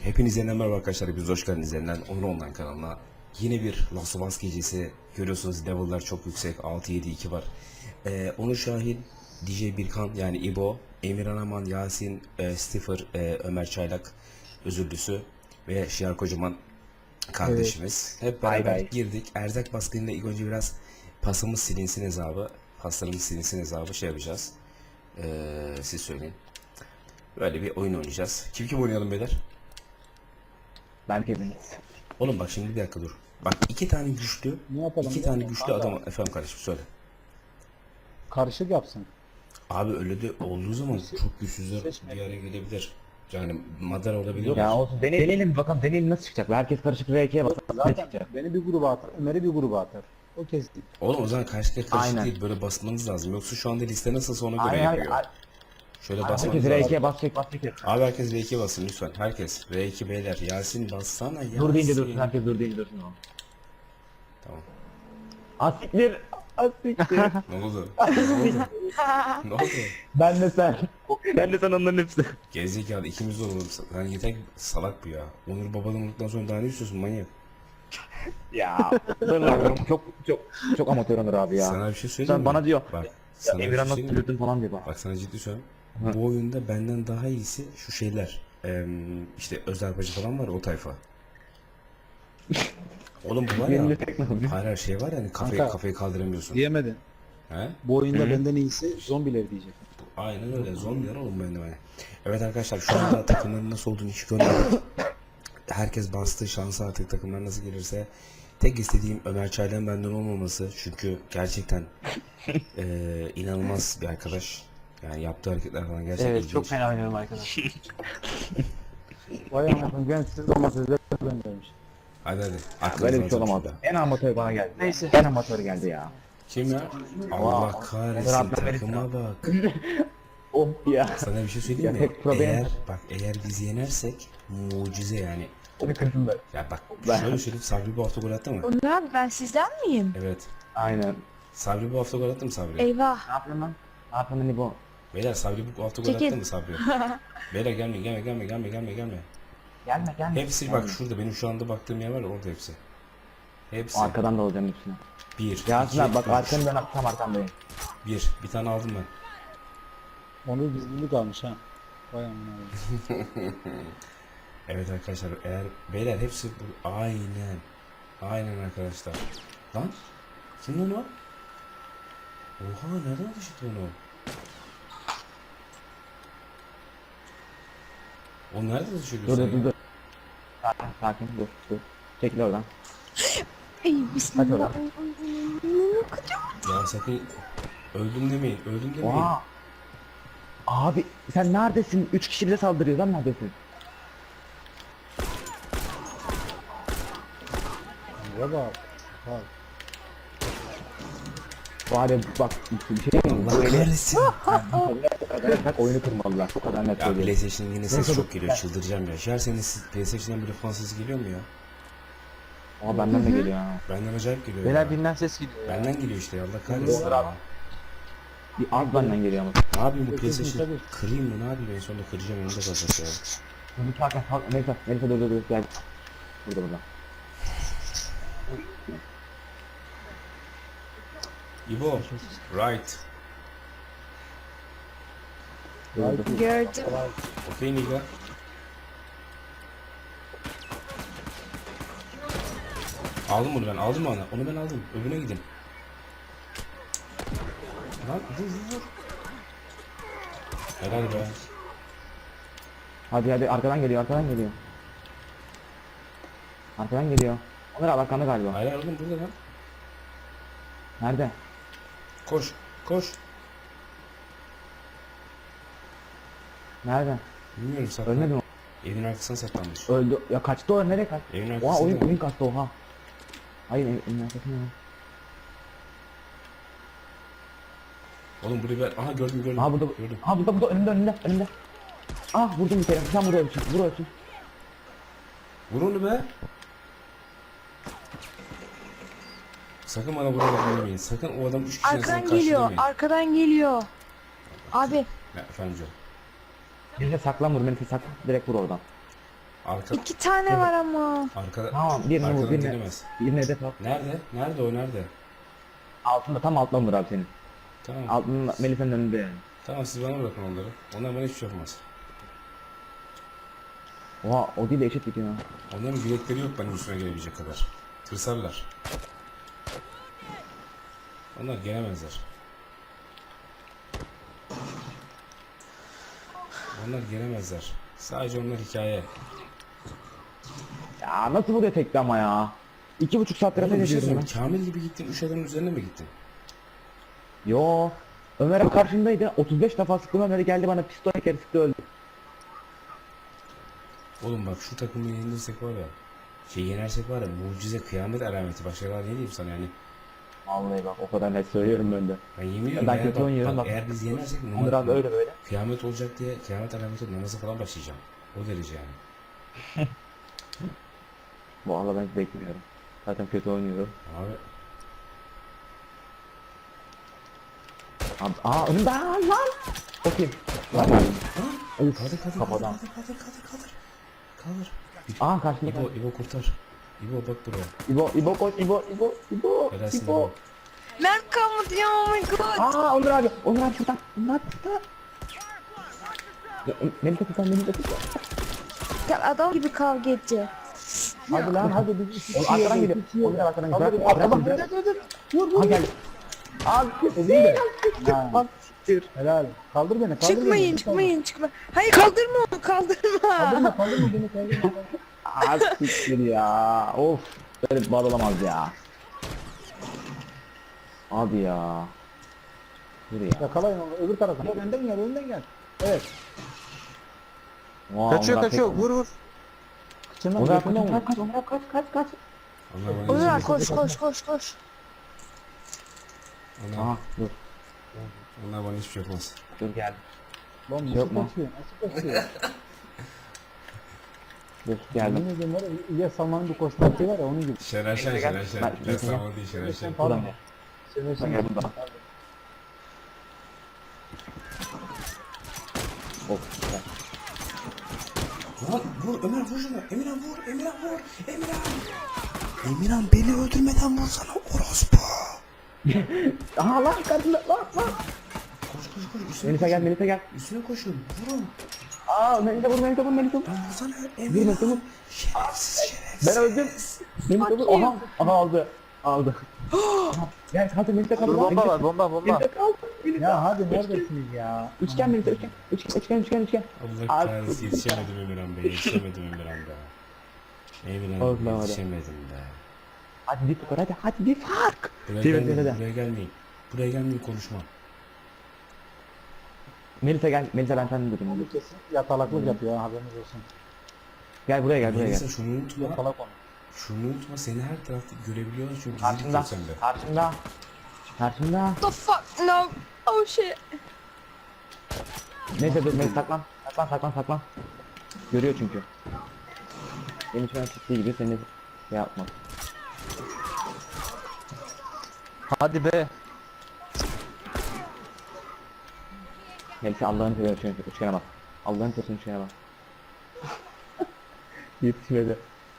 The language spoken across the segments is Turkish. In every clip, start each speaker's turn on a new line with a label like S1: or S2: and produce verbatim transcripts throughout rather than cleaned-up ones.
S1: Hepinize yeniden merhaba arkadaşlar. Biz hoş geldiniz yeniden Onur Online kanalına. Yine bir Last of Us gecesi. Görüyorsunuz level'lar çok yüksek. altı yedi iki var. Ee, Onur Şahin, D J Birkan yani İbo, Emirhan Aman, Yasin, e, Stiffer, e, Ömer Çaylak, Özürlüsü ve Şiar Kocaman kardeşimiz. Hep beraber
S2: Bay bay.
S1: girdik. Erzak baskınıyla ilk önce biraz pasımız silinsin hesabı. Paslarımız silinsin hesabı şey yapacağız. Ee, siz söyleyin. Böyle bir oyun oynayacağız. Kim kim oynayalım beyler?
S2: Ben hepiniz.
S1: Oğlum bak şimdi bir dakika dur. Bak iki tane güçlü,
S3: Ne yapalım
S1: iki
S3: ya?
S1: tane güçlü
S3: Kanka.
S1: adam. Efendim kardeşim söyle.
S3: Karışık yapsın.
S1: Abi öyle de olduğu zaman çok güçsüzler
S3: Seçme.
S1: bir araya gelebilir. Yani madara olabilir.
S2: Ya olsun deneyelim, deneyelim bakalım deneyelim nasıl çıkacak. Herkes karışık R ikiye basar. Ne
S3: Zaten
S2: çıkacak?
S3: beni bir gruba atar, Ömer'i bir gruba atar. O kesin.
S1: Oğlum o zaman karşı karışık
S2: Aynen.
S1: değil, böyle basmanız lazım. Yoksa şu anda liste nasılsa ona göre
S2: Aynen,
S1: yapıyor.
S2: aynen.
S1: Şöyle
S2: Herkes
S1: basmanız
S2: R
S1: lazım.
S2: ikiye basacak basacak.
S1: Abi herkes R iki basın lütfen. Herkes R iki beyler. Yasin bassana Yasin.
S2: Dur deyince dursun, herkes dur deyince dursun o.
S1: Tamam.
S2: Asiktir. Asiktir.
S1: Ne oldu? Ne oldu? Ne oldu?
S2: Ben de sen. Ben de sen onların hepsi.
S1: Gerizekalı ikimiz de olalım. Sen yeter ki salak bu ya. Onur babadan olduktan sonra daha ne istiyorsun manyak?
S2: Ya. Dur lan, çok çok çok amatör Onur abi ya.
S1: Sana bir şey söyleyeyim
S2: Sen
S1: mi?
S2: bana diyor.
S1: Bak
S2: Ya
S1: sana bir
S2: Emirhan
S1: şey
S2: nasıl
S1: söyleyeyim mi?
S2: flörtün falan diyor bak.
S1: Bak sana ciddi söylüyorum. Bu oyunda benden daha iyisi şu şeyler. Eee işte özel bacı falan var o tayfa. Oğlum bu var ya.
S2: Yerinde tek nasıl?
S1: Hayır her şey var yani kafayı,
S3: Kanka.
S1: kafayı kaldıramıyorsun.
S3: Diyemedin.
S1: He?
S3: Bu oyunda benden iyisi zombiler diyecek.
S1: Aynen öyle zombiler oğlum benim yani. Evet arkadaşlar şu anda takımların nasıl olduğunu hiç görmedik. Herkes bastı şansı artık takımlar nasıl gelirse. Tek istediğim Ömer Çaylan benden olmaması çünkü gerçekten eee inanılmaz bir arkadaş. Yani yaptığı hareketler falan gerçekten
S4: Evet
S1: ilginç.
S4: çok fena oynuyorum arkadaş.
S3: Vay anasını ben siz olmasınız ben demiş.
S1: Hadi hadi.
S2: Böyle
S1: Aklınızı
S2: bir şey
S1: alın
S2: olamaz.
S1: şurada.
S2: En amatör bana geldi.
S4: Neyse.
S2: En amatör geldi ya.
S1: Kim ya? Allah kahretsin
S2: Rabbim
S1: takıma bak.
S2: Oh ya.
S1: Sana bir şey söyleyeyim
S2: Ya
S1: mi?
S2: tek problem-
S1: Eğer bak eğer biz yenersek mucize yani.
S2: Onu kırsın ben.
S1: Ya bak
S2: Ben-
S1: şöyle söyleyeyim Sabri bu hafta gol attı mı?
S5: Onur abi ben sizden miyim?
S1: Evet.
S2: Aynen.
S1: Sabri bu hafta gol attı mı Sabri?
S5: Eyvah.
S2: Ne yapıyorsun lan? Ne yapıyorsun lan bu?
S1: Beyler Sabri bu hafta gol
S5: Çekil.
S1: attı mı Sabri? Beyler gelme gelme gelme gelme gelme gelme.
S2: Gelme gelme.
S1: Hepsi
S2: gelme.
S1: bak şurada benim şu anda baktığım yer var ya orada hepsi. Hepsi.
S2: Arkadan da olacağım hepsine.
S1: Bir,
S2: Yasin
S1: iki,
S2: abi bak
S1: üç.
S2: arkanı ben tam arkandayım.
S1: Bir. Bir tane aldım ben.
S3: Onu gizlilik almış ha. Vay amına.
S1: Evet arkadaşlar eğer beyler hepsi bu aynen. Aynen arkadaşlar. Lan kim lan o? Oha nereden düştü onu? O nerede düşüyor?
S2: Dur dur dur dur. Sakin sakin dur dur. Çekil oradan.
S5: Ey
S2: Hadi
S5: bismillah.
S2: oradan.
S1: Ya sakın öldüm demeyin, öldüm demeyin.
S2: Oha. Abi sen neredesin? Üç kişi bize saldırıyor lan neredesin?
S3: Ya bak. Bak.
S2: Var ya bak bir şey mi?
S1: Allah kahretsin.
S2: Bak oyunu kırmalılar. O kadar net
S1: Ya
S2: söylüyorum.
S1: PlayStation'ın yine ses
S2: Neyse,
S1: çok
S2: dur.
S1: geliyor, çıldıracağım ya. Şer senin siz- PlayStation'dan böyle fan sesi geliyor mu ya?
S2: Ama benden de geliyor ha.
S1: Benden acayip geliyor
S4: Beyler
S1: ya.
S4: binden ses geliyor ya.
S1: Benden geliyor işte ya, Allah kahretsin. ya.
S2: Bir az benden geliyor ama.
S1: Ne yapayım bu
S3: Tabii,
S1: PlayStation?
S3: tabii.
S1: Kırayım mı ne yapayım en sonunda kıracağım onu da kalacak ya.
S2: Dur sakin sakin. Neyse neyse dur dur dur gel. Burada burada.
S1: İbo, right.
S2: Dur dur.
S5: Gördüm.
S1: Okey Niga. Aldım bunu ben, aldım mı ana? Onu ben aldım. Öbürüne gidin. Lan vur vur vur. Helal be.
S2: Hadi hadi arkadan geliyor arkadan geliyor. Arkadan geliyor. Onur abi arkanda galiba.
S1: Hayır hayır, oğlum burada lan.
S2: Nerede?
S1: Koş, koş.
S2: Nerede?
S1: Bilmiyorum saklan.
S2: Ölmedi mi?
S1: Evin arkasına saklanmış.
S2: Öldü. Ya kaçtı o nereye kaçtı?
S1: Evin
S2: Oha
S1: arkasında.
S2: oyun oyun kaçtı oha. Hayır evin, evin arkasında. ya.
S1: Oğlum burayı ben... Aha gördüm gördüm.
S2: Aha burada.
S1: Gördüm.
S2: Aha burada burada önünde önünde önünde. Ah vurdum bir kere. Sen vur ölçün. Vur ölçün.
S1: Vur onu be. Sakın bana buraya demeyin. Sakın o adam üç kişi arasında
S5: Arkadan geliyor.
S1: karşılamayın.
S5: Arkadan geliyor. Abi
S1: Ya efendim canım.
S2: Melisa saklan vur Melisa saklan. Direkt vur oradan.
S1: Arka,
S5: İki tane var ama.
S1: arkada,
S2: Tamam, birini vur,
S1: arkadan
S2: birini.
S1: gelemez.
S2: Birine hedef al.
S1: Nerede? Nerede o nerede?
S2: Altında, tam altında Onur abi senin.
S1: Tamam.
S2: Altında Melisa'nın önünde yani.
S1: Tamam siz bana bırakın onları. Onlar bana hiçbir şey yapmaz.
S2: Oha, o değil de eşit gidiyor.
S1: Onların bilekleri yok benim üstüme gelebilecek kadar. Tırsarlar. Onlar gelemezler. Onlar gelemezler. Sadece onlar hikaye.
S2: Ya nasıl vuruyor tekte ama ya? İki buçuk saattir
S1: Oğlum
S2: ateş
S1: bir şey
S2: ediyorum
S1: söyleyeyim.
S2: ben.
S1: Kamil gibi gittin. Üç adamın üzerine mi gittin?
S2: Yo. Ömer abi karşımdaydı. otuz beş defa sıktım, Ömer'e geldi bana pistol kere sıktı, öldü.
S1: Oğlum bak şu takımı yenilirsek var ya. Şey yenersek var ya mucize kıyamet alameti. Başka daha ne diyeyim sana yani.
S2: Vallahi bak o kadar net söylüyorum ben de.
S1: Ben yemin ediyorum
S2: Ben
S1: eğer,
S2: kötü
S1: bak,
S2: oynuyorum
S1: bak,
S2: bak.
S1: eğer biz yenersek
S2: Onur abi öyle böyle.
S1: kıyamet olacak diye kıyamet alameti namaza falan başlayacağım. O derece yani.
S2: Vallahi ben hiç bekliyorum. Zaten kötü oynuyorum.
S1: Abi
S2: Abi, aa önümde aa, lan. Bakayım. Lan. Of,
S1: kaldır kaldır
S2: kafadan.
S1: kaldır kaldır kaldır kaldır. Kaldır.
S2: Aa karşımda.
S1: İbo, İbo kurtar. İbo bak buraya.
S2: İbo, İbo koş, İbo, İbo, İbo,
S1: Helalsin
S2: İbo.
S1: İbo.
S5: Mert kalmadı ya, oh my god.
S2: Aa Onur abi, Onur abi şuradan, Onur abi şuradan. Ya, Melisa tutan, Melisa tutan.
S5: Gel adam gibi kavga edeceğiz.
S3: Hadi lan hadi biz iki
S2: Oğlum
S3: kişi
S2: arkadan
S3: yedik,
S2: geliyor.
S3: iki kişi
S2: Onur abi arkadan
S3: Hadi,
S2: geliyor.
S3: arkadan
S2: Bırak,
S3: dur,
S2: bırak.
S3: dur, dur. Vur vur.
S2: Ha geldi. Abi
S3: de. Ha.
S2: Bak siktir.
S3: Helal. Kaldır beni, kaldır
S5: Çıkmayın
S3: beni.
S5: çıkmayın çıkmayın. Hayır kaldırma onu kaldırma.
S3: Kaldırma, kaldırma beni, kaldırma.
S2: Aa siktir ya. Of. Böyle bir bal olamaz ya. Abi ya. Dur ya.
S3: Yakalayın onu, öbür tarafa. Gel, önden gel, önden gel. Evet.
S2: Vay,
S4: Kaçıyor
S2: Onur abi
S4: kaçıyor.
S2: tek-
S4: Vur vur.
S3: Kıçından
S2: Onur abi
S3: götünden
S2: kaç
S3: vur.
S2: kaç Onur abi kaç kaç kaç.
S1: Allah bana
S5: Onur abi
S1: izin
S5: koş koş koş koş.
S1: Allah,
S2: Aha dur.
S1: Allah bana hiçbir şey yapmaz.
S2: Dur geldi.
S3: Lan
S2: Yok
S3: nasıl
S2: mu?
S3: kaçıyor, nasıl kaçıyor?
S2: Dur geldim.
S3: Yemin ediyorum var ya, İlyas Salman'ın bir koştuğu şey var ya, onun gibi.
S1: Şener Şen,
S2: Gel.
S1: Şener Şen.
S2: Ben-
S1: Ben sana değil Şener Şen.
S2: Buradan gel.
S3: Sen
S2: Buradan gel buradan. Of. güzel.
S1: Lan vur Ömer vur şunu. Emirhan vur. Emirhan vur. Emirhan. Emirhan beni öldürmeden vursana orospu.
S2: Aha lan karşımda lan lan.
S1: Koş koş koş. Üstüne
S2: Melisa gel
S1: koşun.
S2: Melisa gel.
S1: Üstüne koşun. Vurun.
S2: Aa Melisa vur Melisa vur Melisa vur.
S1: Lan vursana
S2: Bir
S1: Emirhan.
S2: Melisa vur.
S1: Şerefsiz şerefsiz.
S2: Ben öldüm. Melisa vur. Aha. Aha aldı. Aldı. Aha. Gel kaldır Melisa kaldır.
S4: Dur bomba var bomba bomba.
S2: Melisa kaldır. Melisa.
S3: Ya hadi neredesiniz ya?
S2: Üçgen Melisa üçgen. Üçgen üçgen üçgen üçgen.
S1: Allah
S2: Abi.
S1: kahretsin yetişemedim Emirhan Bey. Yetişemedim Emirhan Bey. Emirhan
S2: Allah
S1: Bey
S2: Allah.
S1: yetişemedim be.
S2: Hadi bir tukar hadi hadi bir fark.
S1: Buraya
S2: Çevir,
S1: gelmeyin.
S2: çevir de.
S1: Buraya gelmeyin. Buraya gelmeyin konuşma.
S2: Melisa gel. Melisa ben senden durayım.
S3: Bu kesin yatalaklık yapıyor, ha, haberiniz olsun.
S2: Gel buraya gel buraya
S1: Melisa
S2: gel.
S1: şunu unutma.
S3: Yatalak onu.
S1: Şunu unutma seni her tarafta görebiliyorlar çünkü gizli
S2: Karşımda.
S1: tutuyor sende.
S2: Karşımda. Karşımda.
S5: The fuck no. Oh shit.
S2: Neyse dur Melisa saklan. Saklan saklan saklan. Görüyor çünkü. Benim için çıktığı gibi seni şey yapmaz.
S4: Hadi be.
S2: Melisa Allah'ını seversen üçgene, üçgene bak. Allah'ını seversen üçgene bak. Yetişmedi.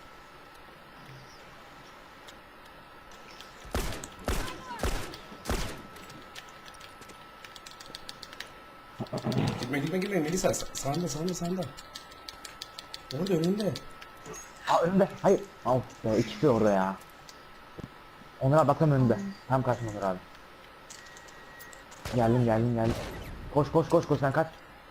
S1: Gitme gitme gitme Melisa sa- sağında sağında sağında. Orada önünde.
S2: Aa önümde. Hayır. Al. Ya ikisi orada ya. Onur abi bakalım önünde. Tam karşımda Onur abi. Geldim geldim geldim. Koş koş koş koş sen kaç.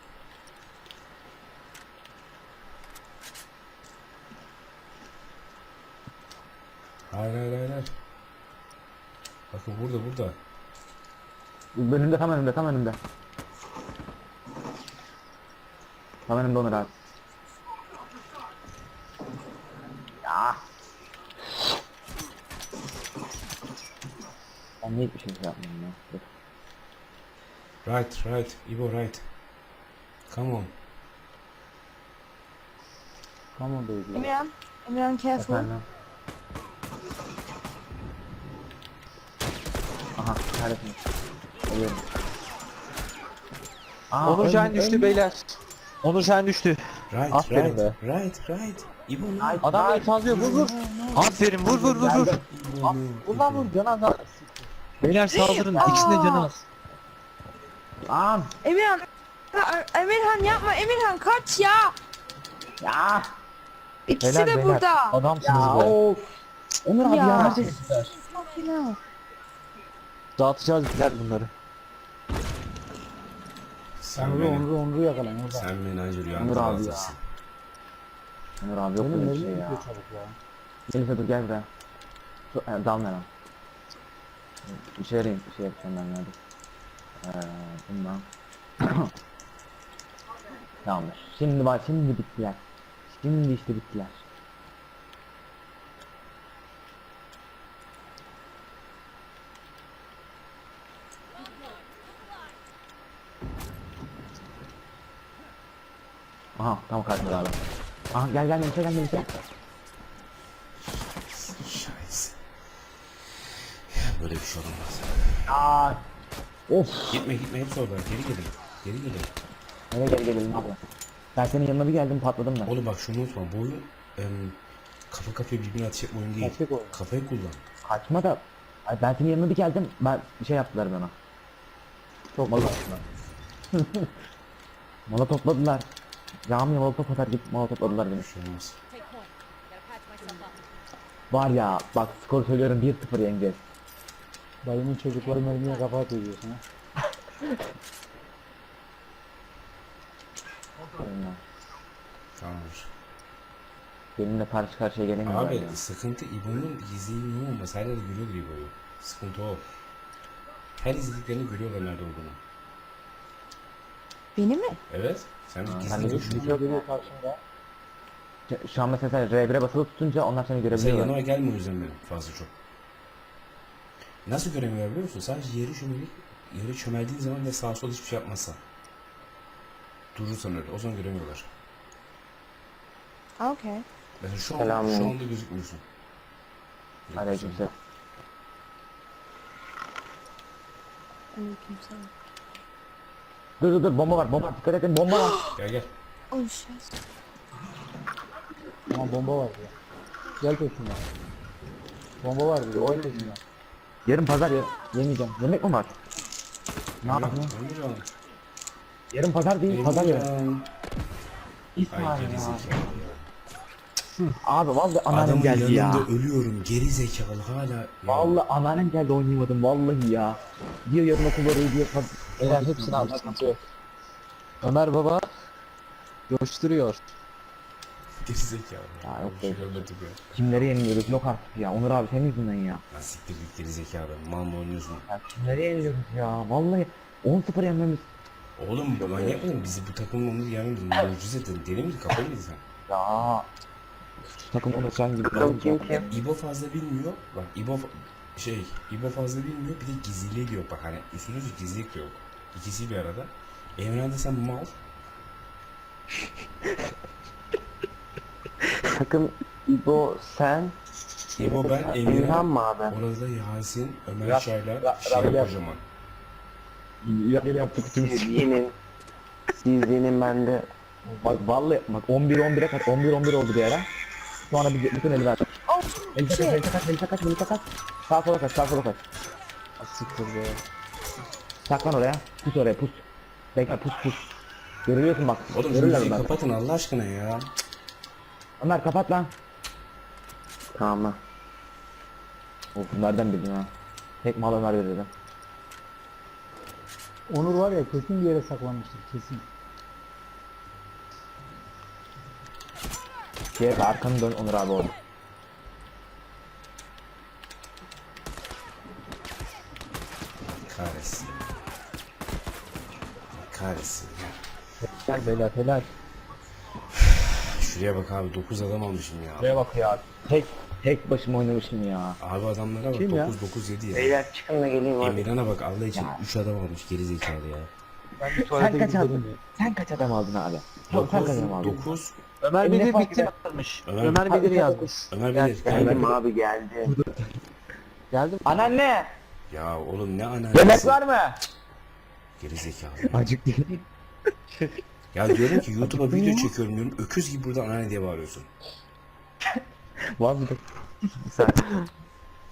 S1: Hayır hayır hayır hayır. Bakın burada burada.
S2: Önümde tam önümde tam önümde. Tam önümde Onur abi. Ya. Ben niye hiçbir şey yapmıyorum ya? Dur.
S1: Right right. Ivo right. Come on.
S3: Come on baby.
S5: Emirhan. Emirhan careful.
S2: Efendim. Aha neredesin? Alıyorum. Aa,
S4: Onur
S2: ön-
S4: Şahin düştü
S2: ön-
S4: beyler. Onur Şahin düştü.
S1: Right,
S4: Aferin
S1: right,
S4: be.
S1: right, right. İbo ne?
S4: Adam beni sallıyor, vur vur. Aferin, vur vur vur vur. Vur lan vur, can az. Beyler saldırın, ikisinde can az.
S2: Lan.
S5: Emirhan. Ha, Emirhan yapma Emirhan kaç ya.
S2: Ya.
S5: İkisi
S4: Beyler,
S5: de
S4: beyler.
S5: burada.
S4: Adamsınız
S2: Ya
S4: be.
S2: of. Onur abi
S5: Ya.
S2: ya.
S5: Sakin
S4: Dağıtacağız beyler bunları.
S1: Sen
S3: Onur'u
S1: beni,
S3: Onur'u Onur'u yakalayın orada.
S1: sen beni acı
S2: Onur
S1: rüyanda
S2: abi ya.
S1: dağıtırsın.
S2: Onur abi yok
S3: Benim
S2: böyle bir
S3: elim
S2: şey ya.
S3: gidiyor çabuk ya.
S2: Melisa dur gel buraya. Şu, e, dalma lan. Bir şey arayayım, bir şey yapacağım ben hadi. Eee bundan. Tamamdır. Şimdi bak şimdi bittiler. Şimdi işte bittiler. Aha tam karşımda abi. Aha gel gel Melisa gel Melisa.
S1: Şahis. Böyle bir şey olamaz.
S2: Aa. Of.
S1: Gitme gitme hepsi orada. Geri gelin. Geri gelin.
S2: Nereye gel gelelim abla. Ben senin yanına bir geldim patladım ben.
S1: Oğlum bak şunu unutma. Bu oyun em, kafa kafaya birbirine atacak oyun değil.
S3: Taktik oyun.
S1: Kafayı kullan.
S2: Kaçma da. Ay ben senin yanına bir geldim. Ben bir şey yaptılar bana.
S3: Çok
S2: Mola
S3: güzel.
S2: Mola topladılar. Camiye molotof atar gibi mola topladılar beni.
S1: Bir şey olmaz.
S2: Var ya bak skor söylüyorum bir sıfır yeneceğiz.
S3: Dayımın çocukları mermiye kafa atıyor diyorsun ha.
S2: Aynen.
S1: Tamamdır.
S2: Benimle karşı karşıya gelemiyorlar
S1: Abi
S2: ya.
S1: sıkıntı İbo'nun izleyimi olmaz. Her yerde görüyordur İbo'yu. Sıkıntı o. Her izlediklerini görüyorlar nerede olduğunu.
S5: Beni mi?
S1: Evet. Sen
S2: Ha,
S1: gizli
S2: ben de
S1: görüyorsun.
S2: düşünüyorum.
S3: Geliyor karşımda.
S2: Şu- Şu an mesela sen R bire basılı tutunca onlar seni
S1: Sen
S2: görebiliyorlar.
S1: yanıma gelme o yüzden benim fazla çok. Nasıl göremiyor biliyor musun? Sadece yeri çömelik, yeri çömeldiğin zaman ve sağa sola hiçbir şey yapmazsan. Durursan öyle. O zaman göremiyorlar.
S5: Okay.
S1: Mesela şu, an,
S2: Selam.
S1: şu anda gözükmüyorsun.
S2: Aleykümselam.
S5: Aleykümselam.
S2: Dur dur dur bomba var bomba var. Dikkat edin bomba var.
S1: Gel gel.
S5: Oh shit.
S3: Ama bomba var ya. Gel peşimden. Bomba var diyor. Oyun peşimden.
S2: Yarın pazar ya. Yemeyeceğim. Yemek mi var? Ne yapayım?
S1: Emirhan.
S2: Yarın pazar değil pazar yarın.
S1: Emirhan. Ay
S2: İsmail
S1: geri
S2: ya.
S1: zekalı ya.
S2: Abi vallahi anneannem
S1: Adamın
S2: geldi ya.
S1: yanında ölüyorum. Geri zekalı hala. Ya.
S2: Vallahi anneannem geldi oynayamadım vallahi ya. Diyor yarın okul var diyor.
S4: Beyler hepsini al, sıkıntı yok. Ömer baba coşturuyor.
S1: Geri zekalı.
S2: Ya
S1: Ya,
S2: yok
S1: bir şey
S2: be.
S1: görmedim ya.
S2: Kimleri yeniliyoruz yok artık ya. Onur abi senin yüzünden ya.
S1: Lan siktir git geri zekalı. Mal mı oynuyorsun?
S2: Ya kimleri yeniliyoruz ya. Vallahi on sıfır yenmemiz.
S1: Oğlum manyak mısın? Bizi bu takımın onu yenmemiz mucize dedin. Deli miydin? Kafayı mıydın sen?
S2: Ya. Şu takım onu sen gibi. Kim kim?
S1: İbo fazla bilmiyor. Bak İbo fa- şey İbo fazla bilmiyor. Bir de gizliliği de yok. Bak hani üstüne üstlük gizlilik de yok. İkisi bir arada. Emre'de de sen mal.
S6: Takım İbo, sen,
S1: İbo ben
S6: İlhan
S1: Emre.
S6: mı abi?
S1: Orada Yasin, Ömer
S2: Ra-
S1: Çaylar,
S2: Ra-
S1: şey
S2: Rabia.
S1: kocaman.
S2: Ya gel yaptık
S6: Siz yenin, siz yenin ben de.
S2: Bak vallahi bak on bir on bire kaç on bir on bir oldu bir ara. Sonra bir bütün eli ver.
S5: Oh
S2: Melisa kaç,
S5: shit.
S2: Melisa kaç, Melisa kaç, Melisa kaç. Sağ sola kaç, sağ sola kaç.
S4: Siktir be.
S2: Saklan oraya. Pus oraya pus. Bekle pus pus. Görüyorsun bak.
S1: Oğlum şu
S2: Görürler
S1: müziği
S2: bunlar.
S1: kapatın Allah aşkına ya.
S2: Ömer kapat lan.
S6: Tamam.
S2: Of nereden bildin ha? Tek mal Ömer verirdim.
S3: Onur var ya kesin bir yere saklanmıştır kesin.
S2: Şey arkanı dön Onur abi orada.
S1: Kahretsin. Kahretsin ya.
S4: Gel beyler helal.
S1: Şuraya bak abi dokuz adam almışım ya.
S2: Şuraya bak ya. Tek tek başıma oynamışım ya.
S1: Abi adamlara bak
S3: Kim ya?
S1: dokuz dokuz yedi ya.
S6: Beyler çıkın da geleyim abi.
S1: Emirhan'a bak Allah için
S2: Ya.
S1: üç adam almış geri zekalı ya.
S4: Ben bir
S2: Sen
S4: tuvalete
S2: kaç
S4: gidip
S2: aldın?
S4: geleyim ya.
S2: Sen kaç adam aldın abi? Sen kaç adam aldın?
S1: dokuz
S4: Ömer
S2: E, ne
S4: Bedir
S2: fark
S4: bitti
S2: eder?
S4: yazmış.
S1: Ömer-
S4: Ömer Bedir yazmış.
S1: Ömer
S4: Gel,
S1: Bilir.
S6: Geldim abi geldim.
S4: Geldim.
S2: Anneanne!
S1: Ya oğlum ne
S2: Yemek
S1: analizi.
S2: var mı?
S1: Geri zekalı.
S2: Acık değil.
S1: Ya diyorum ki YouTube'a video çekiyorum diyorum. Öküz gibi buradan anne diye bağırıyorsun.
S3: Var bir de.
S6: Bir saniye.